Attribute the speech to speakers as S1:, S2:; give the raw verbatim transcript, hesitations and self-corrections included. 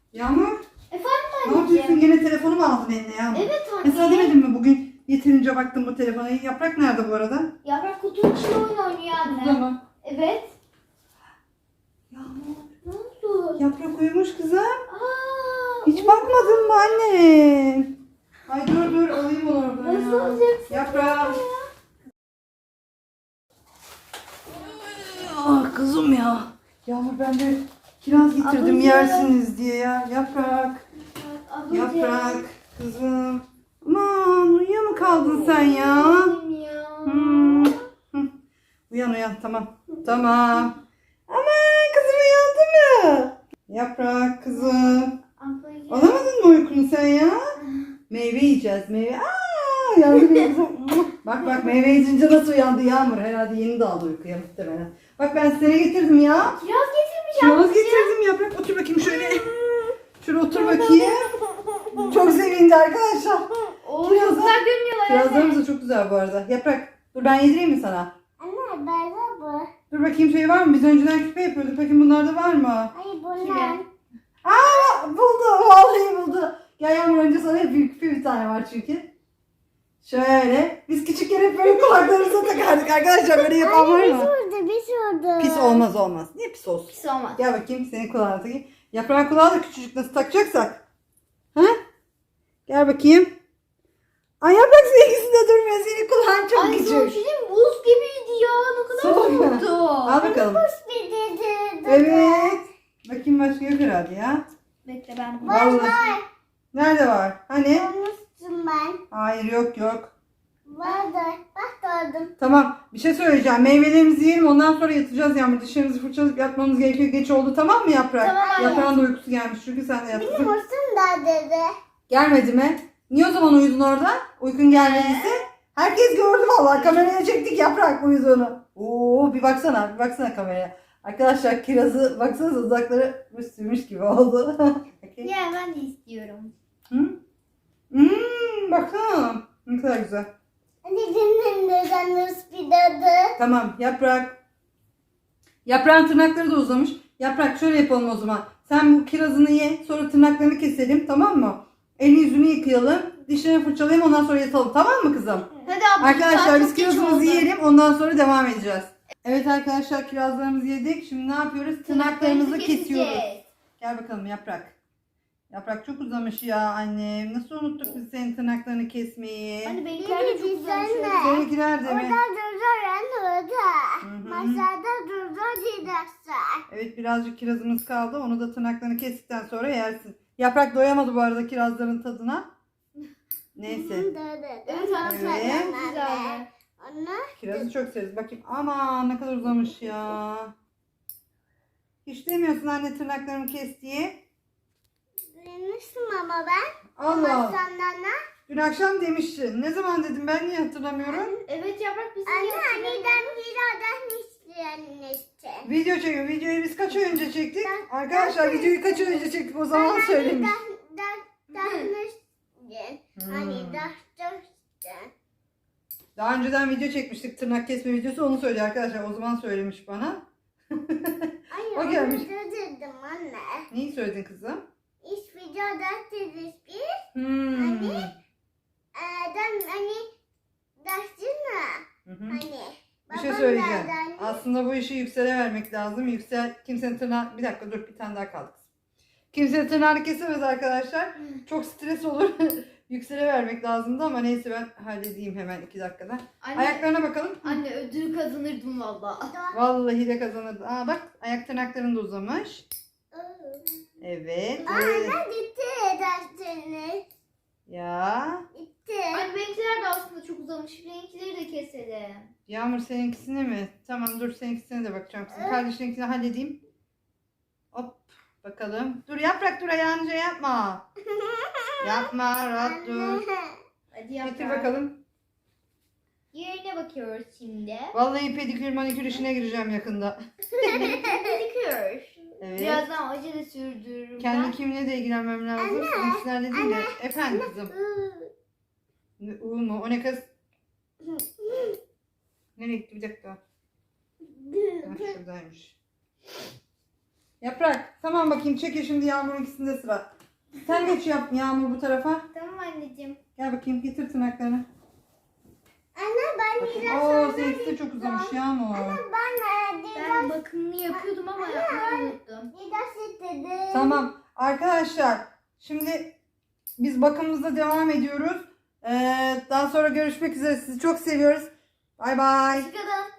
S1: Yağmur,
S2: Efendim
S1: ne yapıyorsun?
S2: anneciğim?
S1: Gene telefonu mu aldın eline Yağmur?
S2: Evet anne.
S1: Mesela demedim mi bugün yeterince baktım bu telefona. Yaprak nerede bu arada?
S2: Yaprak kutunun içinde oyun oynuyor anne.
S1: Burada mı?
S2: Evet.
S1: Yağmur,
S2: Ne oldu?
S1: yaprak uyumuş kızım.
S2: Aa,
S1: Hiç bakmadın mı anne? Ay dur dur alayım onu oradan
S2: Nasıl
S1: ya.
S2: alacaksın?
S1: Yaprak. Ah kızım ya. Yağmur ben de kiraz getirdim
S2: Ablacığım.
S1: yersiniz diye ya. Yaprak.
S2: Ablacığım.
S1: Yaprak kızım. Aman uyuyor mu kaldın sen ya?
S2: Annem ya.
S1: Hmm. Hı. Uyan uyan tamam. Tamam. Aman kızım uyandı mı? Yaprak kızım.
S2: Ablacığım.
S1: Alamadın mı uykunu sen ya? Meyve yiyeceğiz meyve. Aa, uyandı benim kızım. Bak bak meyve yiyince nasıl uyandı Yağmur. Herhalde yeni daldı uykuya muhtemelen. Bak ben size ne getirdim ya.
S2: Kiraz getirmiş
S1: Kiraz
S2: ablacığım.
S1: getirdim Yaprak. Otur bakayım şöyle. Şöyle otur bakayım. Çok sevindi arkadaşlar.
S2: Oo,
S1: Kirazlar-
S2: çok güzel görünüyorlar anne.
S1: Kirazlarımız da çok güzel bu arada. Yaprak dur ben yedireyim mi sana?
S3: Anne böyle bu.
S1: Dur bakayım şey var mı? Biz önceden küpe yapıyorduk. Bakayım bunlarda var mı?
S3: Hayır bunlar.
S1: Aa buldu. Vallahi buldu. Gel Yağmur önce sana hep büyük küpe bir tane var çünkü. Şöyle. Biz küçükken hep böyle kulaklarımıza takardık arkadaşlar. Böyle yapan var
S3: Anne bir
S1: mı?
S3: sordu bir sordu.
S1: Pis olmaz olmaz. Niye pis olsun?
S2: Pis olmaz.
S1: Gel bakayım senin kulağına takayım. Yaprağın kulağı da küçücük nasıl takacaksak. Ha? Gel bakayım. Ay yaprak seninkisi de durmuyor. Senin kulağın çok
S2: Ay
S1: küçük.
S2: son şey diyeyim mi? Buz gibiydi ya. Ne kadar
S1: Soğuk.
S2: soğuktu.
S1: Al bakalım.
S3: Bir dedi.
S1: Evet. Bakayım başka yok herhalde ya.
S2: Bekle ben bunu.
S1: Vallahi. Nerede var? Hani?
S3: Olmuştum ben.
S1: Hayır yok yok.
S3: Vardı. Bak gördüm.
S1: Tamam bir şey söyleyeceğim. Meyvelerimizi yiyelim ondan sonra yatacağız Yağmur. Dişlerimizi fırçalayıp yatmamız gerekiyor. Geç oldu tamam mı Yaprak?
S2: Tamam anne.
S1: Yaprağın da uykusu gelmiş çünkü sen de
S3: Benim
S1: yattın.
S3: olsun da dedi.
S1: Gelmedi mi? Niye o zaman uyudun orada? Uykun gelmediyse? Herkes gördü vallahi. Kameraya çektik Yaprak uyuduğunu. Oo bir baksana bir baksana kameraya. Arkadaşlar kirazı baksanıza uzakları sürmüş gibi oldu. Okay.
S2: Ya ben de istiyorum.
S1: Hı? Hmm, baksana. Ne kadar güzel.
S3: Anne senin neden bir dedi.
S1: Tamam Yaprak. Yaprağın tırnakları da uzamış. Yaprak şöyle yapalım o zaman. Sen bu kirazını ye. Sonra tırnaklarını keselim tamam mı? Elini yüzünü yıkayalım. Dişlerini fırçalayalım ondan sonra yatalım. Tamam mı kızım?
S2: Hadi abla.
S1: Arkadaşlar
S2: saat
S1: biz
S2: çok geç
S1: kirazımızı
S2: oldu.
S1: yiyelim. Ondan sonra devam edeceğiz. Evet arkadaşlar kirazlarımızı yedik. Şimdi ne yapıyoruz? Tırnaklarımızı kesiyoruz.
S2: keseceğiz.
S1: Gel bakalım Yaprak. Yaprak çok uzamış ya annem. Nasıl unuttuk biz senin tırnaklarını kesmeyi?
S2: Hani benimkiler de çok güzel
S3: Sen
S2: şöyle.
S3: de.
S1: Seninkiler de mi?
S3: Orada durdur anne orada.
S1: hı.
S3: Masada durdur gidersen.
S1: Evet birazcık kirazımız kaldı. Onu da tırnaklarını kestikten sonra yersin. Yaprak doyamadı bu arada kirazların tadına. Neyse.
S2: Evet anne.
S1: Evet.
S2: Çok güzeldi.
S3: Anne.
S1: Kirazı çok severiz. Bakayım. Aman ne kadar uzamış ya. Hiç demiyorsun anne tırnaklarımı kes diye.
S3: Duymuştum ama ben.
S1: Allah.
S3: Masandan.
S1: Dün akşam demiştin. Ne zaman dedim ben niye hatırlamıyorum?
S2: Evet yaprak bizim
S3: Anne
S2: yaptığımız-
S3: anneden biradan isteyen
S1: Video çekiyor. Videoyu biz kaç ay önce çektik? Arkadaşlar videoyu kaç ay önce çektik o zaman söylemiş. Hmm.
S3: Hani daşmıştın.
S1: Daha önceden video çekmiştik tırnak kesme videosu onu söylüyor arkadaşlar. O zaman söylemiş bana.
S3: Ay
S1: O
S3: onu
S1: gelmiş.
S3: dedim anne.
S1: Neyi söyledin kızım?
S3: İş videoda dedik bir.
S1: Hmm.
S3: Anne. Adam hani daştın mı?
S1: Hı hı.
S3: Hani.
S1: Bir şey
S3: babam
S1: söyleyeceğim.
S3: nerede anne?
S1: Aslında bu işi Yüksel'e vermek lazım. Yüksel kimsenin tırnağı... Bir dakika dur bir tane daha kaldı. Kimsenin tırnağını kesemez arkadaşlar. Çok stres olur. Yüksel'e vermek lazımdı ama neyse ben halledeyim hemen iki dakikada.
S2: Anne,
S1: Ayaklarına bakalım.
S2: anne ödül kazanırdım valla.
S1: Vallahi de kazanırdı. Aa bak ayak tırnakların da uzamış. Evet. Böyle.
S3: Anne gitti daştınız.
S1: Ya.
S3: Gitti.
S2: Anne benimkiler de aslında çok uzamış. Benimkileri de keselim.
S1: Yağmur seninkisine mi? Tamam dur seninkisine de bakacağım. Sizin kardeşininkini halledeyim. Hop bakalım. Dur yaprak dur ayağınca yapma. Yapma rahat dur.
S2: Hadi yaprak.
S1: Getir bakalım.
S2: Yerine bakıyoruz şimdi.
S1: Vallahi pedikür manikür işine gireceğim yakında.
S2: Pedikür.
S1: Evet.
S2: Birazdan acı da sürdürürüm
S1: Kendi
S2: ben.
S1: kimliğe de ilgilenmem lazım. Seninkilerle değil de. Efendim kızım. Ne- U mu? O ne kız? Nereye gitti bir dakika. Ha, şuradaymış. Yaprak. Tamam bakayım çekil şimdi Yağmur'un ikisinde sıra. Sen geç yap Yağmur bu tarafa.
S2: Tamam anneciğim.
S1: Gel bakayım getir tırnaklarını.
S3: Anne ben
S1: Bakayım.
S3: biraz
S1: Oo
S3: sonra
S1: seninki de çok uzamış Yağmur.
S3: Ben e,
S2: Ben
S3: biraz
S2: bakımını yapıyordum ama yapmayı unuttum.
S3: biraz istedim.
S1: Tamam arkadaşlar şimdi biz bakımımıza devam ediyoruz. Ee, daha sonra görüşmek üzere. Sizi çok seviyoruz. Bay bay.
S2: Hoşçakalın.